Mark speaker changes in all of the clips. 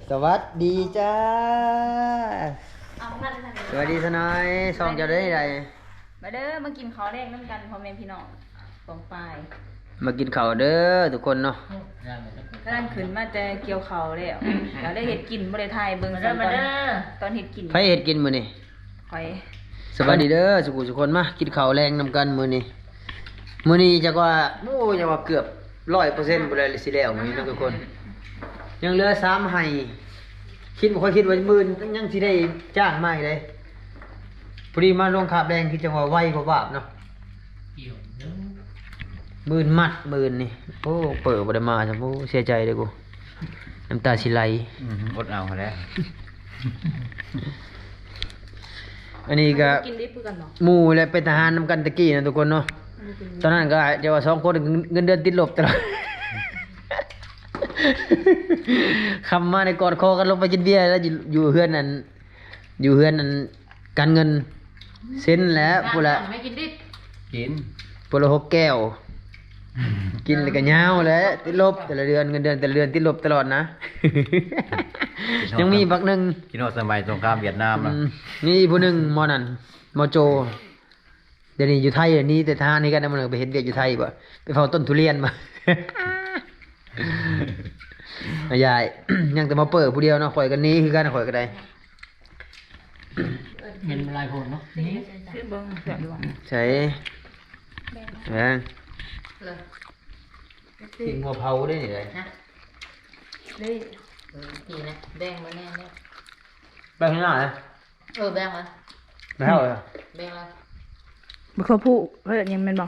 Speaker 1: สวัสดีจ้า
Speaker 2: เอานั่นนั่น
Speaker 1: สวัสดีทนายซองจะได้ได
Speaker 2: มาเด้อมากินข้าวแรกน้ำกันพ่อแม่พี่น้องปองปลาย
Speaker 1: มากินข้าวเด้อทุกคนเนาะ
Speaker 2: ก็นั่นขึ้นมาแต่เกี่ยวข้าวแล้วก็ได้เห็ดกินบ่ได้ทายเบิ่งตอนเห็ดกิน
Speaker 1: ไผเฮ็ดกินมื้อนี้
Speaker 2: ข่อย
Speaker 1: สวัสดีเด้อสุขุทุกคนมากินข้าวแรงนำกันมื้อนี้จักว่าโอ้จักว่าเกือบ 100%บ่ได้สิแล้วมื้อนี้เนาะทุกคน ยังเหลือ3ให้คิดบ่ค่อยคิดว่ามื้อยังสิได้จ้างมาอีกเลยพอดีมาลงคาบแรงคือจังว่าไวกว่าบาปเนาะมื่นมัดมื่นนี่โอ้เปิดบ่ได้มาจ้ะโอ้เสียใจเด้อกูน้ำตาสิไหล
Speaker 3: อดเอาแล้ว
Speaker 1: อันนี้ก็
Speaker 2: กินได้คือกันเนาะ
Speaker 1: หมู่และเป็นทหารนำกันตะกี้นะทุกคนเนาะตอนนั้นก็จะว่า2คนเงินเดือนติดลบตลอด คำมาในกอดคอกันลงไปกินเบียร์แล้วอยู่เฮือนนั้นการเงินเซ็นแล้วพูดละ
Speaker 2: ไม่กินดิ
Speaker 3: กิน
Speaker 1: พูดละ6 แก้ว กินแล้วก็ยาวแล้วติดลบแต่ละเดือนเงินเดือนแต่ละเดือนติดลบตลอดนะ ยังมีบักหนึง
Speaker 3: กินโอสมัยสงครามเวียดนามนะ
Speaker 1: นี่ผู้หนึงมอนั่นมอโจ เดี๋ยวนี้อยู่ไทยเดี๋ยวนี้แต่ทหารนี่กันนะมันไปเห็นเวียกอยู่ไทยบ่ไปเฝ้าต้นทุเรียนมา ยาย ยังแต่มาเปิดผู้เดียวเนาะข่อยกันนี้คือกันข่อยก็ได้
Speaker 4: เงินลายโหดเนาะนี่
Speaker 2: คือเบิ่งแบบดูว่า
Speaker 1: ใช่แม่ง
Speaker 2: เลย
Speaker 1: กินหัวเผาได้นี่เลย
Speaker 2: เลยนี่นะแบ่งมาแน่เนี่ย
Speaker 1: ไปข้างหน้าเลย
Speaker 2: แบ่งมา
Speaker 1: ไปเท่าเลย
Speaker 2: แบ่งมา
Speaker 5: บ่เขาพูดเฮ้ยยังแมันบอก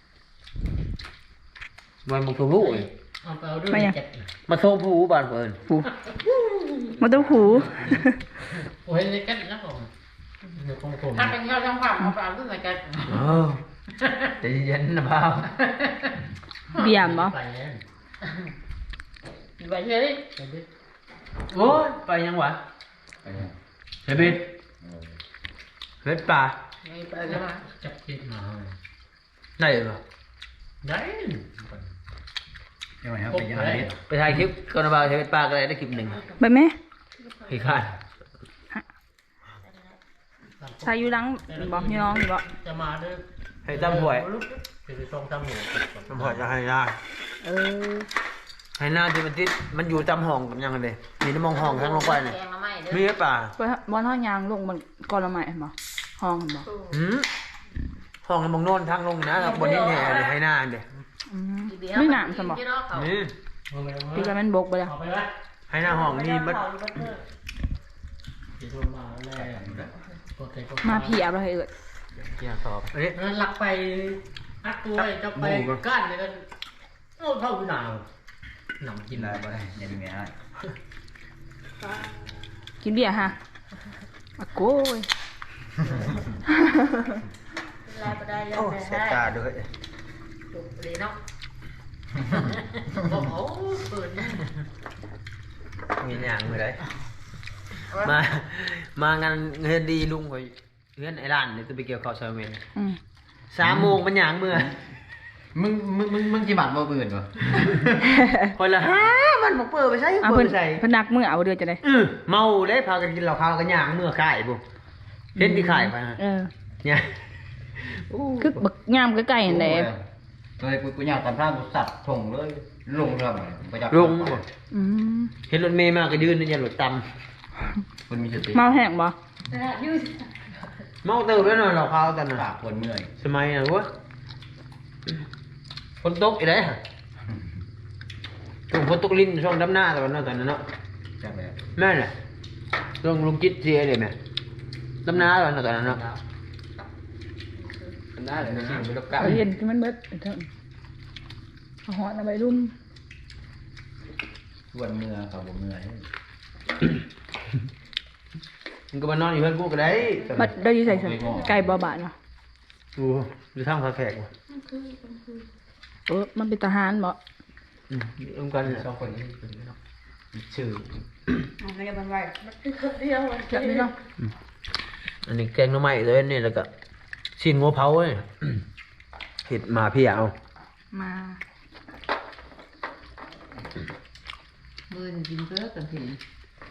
Speaker 1: มันมันคือผู้อีก
Speaker 4: เอาไปเอาด้วย
Speaker 5: ไม่อะ
Speaker 4: เจ็บ
Speaker 1: มาโทรผู้บ้านเพิ่น
Speaker 5: หูมันต้องหู
Speaker 4: โอ้ยเลยกันแล้วผมเดี๋ยวคงผม
Speaker 2: ถ้าเป็นข้าวช่างความเอาไปเอาขึ้นมากัน
Speaker 1: เออใจเย็นนะพ่าว
Speaker 5: เบียมบ่
Speaker 4: ไปแล้ว
Speaker 2: ไปเฉย
Speaker 4: ไปดิ
Speaker 1: โอ้ยไปยังวะเฮ้ยบิดเฮ็ดปลา
Speaker 2: ไปกันมา
Speaker 4: จับคิดมา
Speaker 1: ได้เหรอ
Speaker 4: ได้
Speaker 3: ยังไงครับไปยังไง
Speaker 1: ไปถ่ายคลิปก่อนนะบ่าวเฮ็ดปลาก็ได้คลิปหนึ่ง
Speaker 5: ไปไหม
Speaker 1: พี่คาด
Speaker 5: ชายอยู่หลังบอกพี่น้องอยู่บ่
Speaker 4: จะมาด้วย
Speaker 1: ให้ตำหวย
Speaker 4: จะไปส่งตำหวย
Speaker 1: ตำหวยจะให้ได้
Speaker 5: เออ
Speaker 1: ให้หน้าที่มันติดมันอยู่ตำห้องกับยังไงเลยมีน้ำมองห้องทั้งลงไปเนี่ย
Speaker 2: แกงมาใหม่เด้อ
Speaker 1: มีหรือเปล่า
Speaker 5: ไปบอนห้องยางลงมันก่อนละใหม่บ่ห้องบ่
Speaker 1: หืมห้องน้ำมองโน่นทางลงนี่นะครับบนนี้แห่เลยให้หน้าเลย
Speaker 5: อืมไม่หนามซั่นบ่
Speaker 1: นี่
Speaker 5: พี่ก็แม่นบกไปแล้ว
Speaker 4: เอาไปวะ
Speaker 1: ให้หน้าห้องนี่มัน
Speaker 4: ที่โทรมาแล้วโอเคก็
Speaker 5: มาพี่เอาไปให้เอิด
Speaker 1: เกี่ยวสอบอันนี้
Speaker 4: นั้นหลักไปนักตัวจะไปก้านเลยกันเอาเท่าหนาวหนำ
Speaker 3: กิ
Speaker 4: กิ
Speaker 3: น
Speaker 4: น
Speaker 3: อะไรไปยังไง
Speaker 5: กินเบียร์ฮะอะโก้ย
Speaker 2: ลายไปได้แล้ว
Speaker 1: โอ้
Speaker 2: ได้
Speaker 1: เสียตาด้วย
Speaker 2: จุกเลยเนาะโอ้โหเปิดนี่
Speaker 1: มีอย่างมือไรมางานเงินดีลุงคอยเงินไอ้ร้านเนี่ยจะไปเกี่ยวข้าวซอยเมน
Speaker 5: อืม
Speaker 1: 3 โมงมันหยางมือ
Speaker 3: มึงกี่บาทบ่เบื่อวะ
Speaker 1: คนละมันบอกเปิดไปใส่
Speaker 5: เอา
Speaker 1: เปิ
Speaker 5: เพิ่
Speaker 1: ด
Speaker 5: น
Speaker 1: ไปใส่
Speaker 5: เพิ่นนักมื้อเอาเดือนจะได้
Speaker 1: เมาเลยพากันกินเหล้าขาวกันหยางมือขายบุเห็นที่ขายไปฮะ
Speaker 5: เออ
Speaker 1: เนี่ย
Speaker 5: คือบักยามใกล้ๆนั่นแหละ
Speaker 3: เลยกูอยากทำพลาดสัตว์ส่งเลยลงครับไปจับ
Speaker 1: ลงบ่
Speaker 5: อืม
Speaker 1: เห็นรถเมย์มาก็ยืนนี่อย่าหลุดต
Speaker 3: คนมีสติ
Speaker 5: เมาแห้งบ่
Speaker 1: ำเมาเติมแล้วหน่อยเหล้าขาวตอนนั้น
Speaker 3: ปากคนเมื่อย
Speaker 1: สมัยน่ะวะคนตกอีได้ฮะช่วงฝนตกลิ้นช่วงดำหน้าตอนนั้นเนาะ
Speaker 3: จับแบบ
Speaker 1: แม่นแหละช่วงลุงจิตเสียเลยแม่ดำหน้าตอนนั้นเนาะ
Speaker 3: ได้เลยนะไม่ต้องกลับ
Speaker 5: เอาเย็นที่มันเบิดเถิงเอาหอดเอาไปรุ่ม
Speaker 3: วันเมื่อครับผมเมื่อย
Speaker 1: มันก็มานอนอยู่เพื่อนกูก็ได้
Speaker 5: บัดได้อยู่ใส่ไก่บ่บาดเนาะ
Speaker 1: ดูดูทางผาแฝกว่ะ
Speaker 5: มันเป็นทหารบ่
Speaker 1: ร่วมกัน
Speaker 3: สองคนนี้
Speaker 1: ชื่อ
Speaker 2: อะไรกันไว้มันคือคนเดียว
Speaker 5: แบบนี้เนาะ
Speaker 1: อันนี้แกงหน้ำไม้เลยนี่แล้วก็ชิ้นงัวเผาเลยเห็ดมาพี่เอา
Speaker 5: มา
Speaker 2: มือกินเพื่อกันที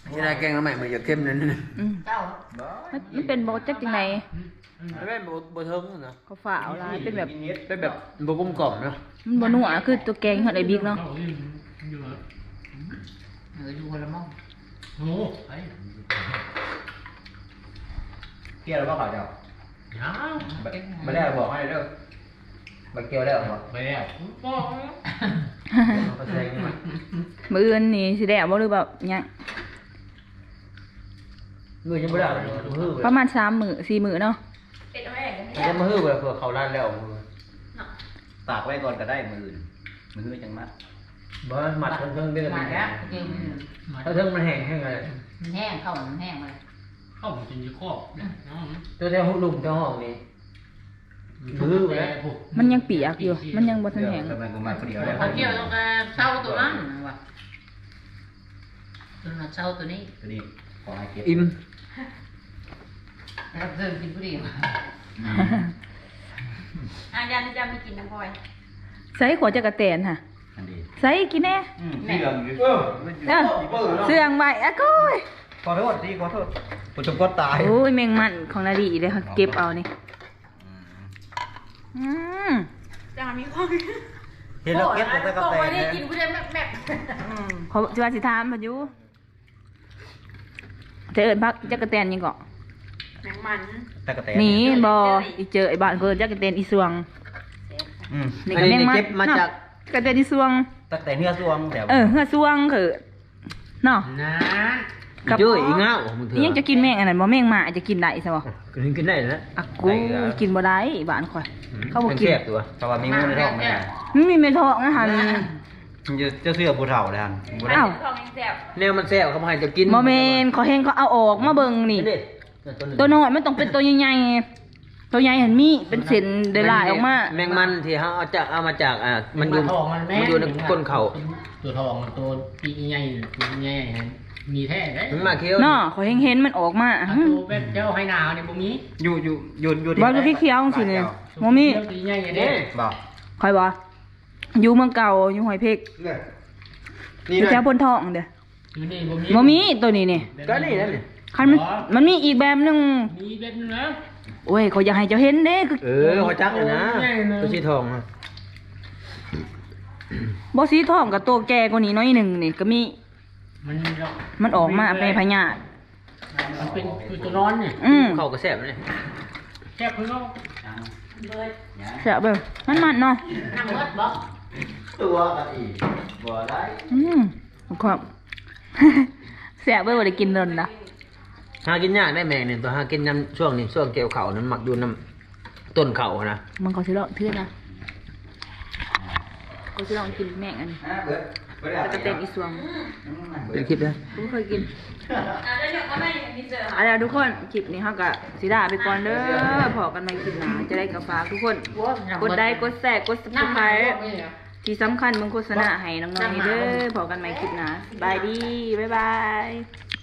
Speaker 1: นี่ได้แกงน้ำใหม่มาจากเข้มนั่นนะ
Speaker 5: อืม
Speaker 6: เจ้า
Speaker 5: มันเป็นบ่จักจังได
Speaker 1: ไม่เป็นบะเทิงนะ
Speaker 5: เขาฝาเอาลายเป็นแบบ
Speaker 1: เป็นแบบบะกลมกล่อมเนาะ
Speaker 5: มันบ่นัวคือตัวแกงเฮาได้บิ๊กเนาะ
Speaker 6: อยู่คนละมอง
Speaker 4: โอ้ไอ้
Speaker 3: เกี่ยวแล้วบ่ขาวเจ้า
Speaker 4: ยัง
Speaker 3: ไม่ได้บอกให้เด้อบักเกี่ยวแล้วบ่
Speaker 4: ไปแล้วบอก
Speaker 1: เขาแซงนี่มัน
Speaker 5: มื้ออื่นนี่สิได้เอาบ่หรือแบบหยัง
Speaker 1: มือยังไม่ได้เลยมือ
Speaker 5: ประมาณ3 มื้อ4 มื้อเนาะ
Speaker 2: เป็ดเอาไว้กัน
Speaker 1: มันจะมาฮื้อแบบเผื่อเขาล้านแล้วมือ
Speaker 3: ตากไว้ก่อนก็ได้มื้ออื่นมื้อจังมัด
Speaker 1: บ่หมัดเทิงเดือน
Speaker 6: มาแล้วเกม
Speaker 1: ถ้าเทิงมันแห้งเลย
Speaker 6: มันแห้งเข้ามันแห้งเลย
Speaker 4: เข้ามันจะมีครอบเนี่ยน้อง
Speaker 1: ตัวแถวหุบลุมแถวห้องนี่มือแล้ว
Speaker 5: มันยังเปียกอยู่ มันยังบ่ทันแห้ง
Speaker 3: กำลังกูมาคนเดียวแล้ว
Speaker 6: เขาเกี่ยวต้องเช่าตัวนั้นว่ะตัวนั้นเช่าตัวนี้
Speaker 3: ตัวนี้ขอให้เก็บ
Speaker 1: อิ่ม
Speaker 6: แล้วเพิ่มกินผู้เดียว
Speaker 2: ยันจะมีกินน้ำพลอย
Speaker 5: ใส่ขวดจักรแตนค่ะ
Speaker 3: อันดี
Speaker 5: ใส่กินแน่
Speaker 3: ที่เหลืองอยู่
Speaker 5: เออเสื่องไว้อะก้อย
Speaker 3: ขอโทษดีขอโทษผู้ชมก็ตาย
Speaker 5: โอ้ยแมงมันของนาดีเลยค่ะเก็บเอานี่อืม
Speaker 2: จะมีข้อ
Speaker 3: เห็นแล้วเก็บตั้งแต่กาแฟ
Speaker 2: ได้
Speaker 3: นะ
Speaker 2: กินผู้เดียวแม่
Speaker 5: เขาจะว่าสิถามพายุจะเอิญพักจักรแตนยังเกาะ
Speaker 2: แมงมัน
Speaker 3: แต่กาแฟ
Speaker 5: หนีบออีเจอไอ้บ้านเพิ่นจักรแตนอีสวง นี่
Speaker 1: อัน
Speaker 5: ก็
Speaker 1: นี้
Speaker 5: แมงมัน
Speaker 1: เก็บมาจาก
Speaker 5: จักรแตนอีสวง
Speaker 3: ตั้งแต่เนื้อสวงแต่
Speaker 5: เฮือสวงคือเนาะ
Speaker 4: นะ
Speaker 5: กับ
Speaker 1: เยอะอีเงามึงเถ
Speaker 5: อีหยังจะกินแมงอันนั้นบ่แมงหมาจะกินได้ซะบ่
Speaker 1: กินได้แล้ว
Speaker 5: อะกูกินบ่ได้บ้านข่อย เขาบ่กิน
Speaker 1: แซ่บตัว
Speaker 3: เพราะว่ามีงูในท้องมัน
Speaker 5: มันมีเม็ดทองนะหัน
Speaker 3: จะเสื้อผู้เฒ่าเลยฮัน
Speaker 5: อ้าว
Speaker 2: ทองยังแซ่บ
Speaker 1: แนวมันแซ่บเขามาให้จะกิน
Speaker 5: บ่แม่นเขาเห็นเขาเอาออกมาเบิ่งนี่ ตัวน้อยมันต้องเป็นตัวใหญ่ๆตัวใหญ่เห็นมีเป็นเส้นเดลายออกมา
Speaker 1: แมงมันที่เขาเอามาจากมันอยู่
Speaker 4: ทองมันแม่
Speaker 1: มันอยู่ในก้นเขา
Speaker 4: ตัวทองตัวปีใหญ่ตัวใหญ่มีแท้ได้
Speaker 1: มันมาเคี้ยว
Speaker 5: เนาะเขาเห็นมันออกมา
Speaker 4: ตัวแบบเจ้าให้นาวเนี่ยบ่มี
Speaker 3: อยู่
Speaker 5: บ่คือพี่เขียวจังซี่นี่บ่มี
Speaker 4: ตัวใหญ่เด้
Speaker 3: บอก
Speaker 5: ข่อยบ่อยู่เมืองเก่าอยู่ห้วยเพก
Speaker 1: นี่
Speaker 5: อยู่
Speaker 1: นะ
Speaker 5: แถวพนทองเด้อ
Speaker 4: อยู่นี่บ่มี
Speaker 5: บ่มีตัวนี้นี่
Speaker 1: ก็นี่นั่นนี่
Speaker 5: คันมันมีอีกแบบหนึง
Speaker 4: มีเบ็ดนึงนะ
Speaker 5: โอ้ยเขาอยากให้เจ้าเห็นเด้คือ
Speaker 1: เขาจักเลยนะตัวชีทอง
Speaker 5: บ่สีทองกับตัวแก่กว่านี้น้อยหนึงนี่ก็มี มันออกมาเป็นพญาธิ
Speaker 4: มันเป็นคือตัวนอนเนี่ย
Speaker 1: เขาก็แซ่บเลย
Speaker 4: แค่เพิ่งเอา
Speaker 5: แซ่บเบิ่งมันเนาะ
Speaker 6: น้ำมดบอก
Speaker 3: ตัวกันอีกบ่ได้
Speaker 5: ครับ แซ่บเบิ่งบ่ได้กินโดนนะ
Speaker 1: หากินยากได้แมงเนี่ยตัวหากินน้ำช่วงนี้ช่วงเกี่ยวเขานั้นหมักอยู่น้ำต้นเขานะ
Speaker 5: มันก็สิลองเทื่อนะก็สิลองกินแม่งอันนี้แล้วก็เต็มอีสวง
Speaker 1: เป็นคลิปนะ
Speaker 5: ผมเคยกิน
Speaker 2: แล้วเดี๋ยวก็ไม่อย่างที่เจอ
Speaker 5: เอาล่ะทุกคนคลิปนี้เฮาก็สิลาไปก่อนเด้อพอกันใหม่คลิปหน้าจะได้กับฝากทุกคน กดไลค์กดแชร์กด Subscribe ที่สำคัญมึงโฆษณาให้น้องๆนี่เด้อพอกันใหม่คลิปหน้าบายดีบ๊ายบาย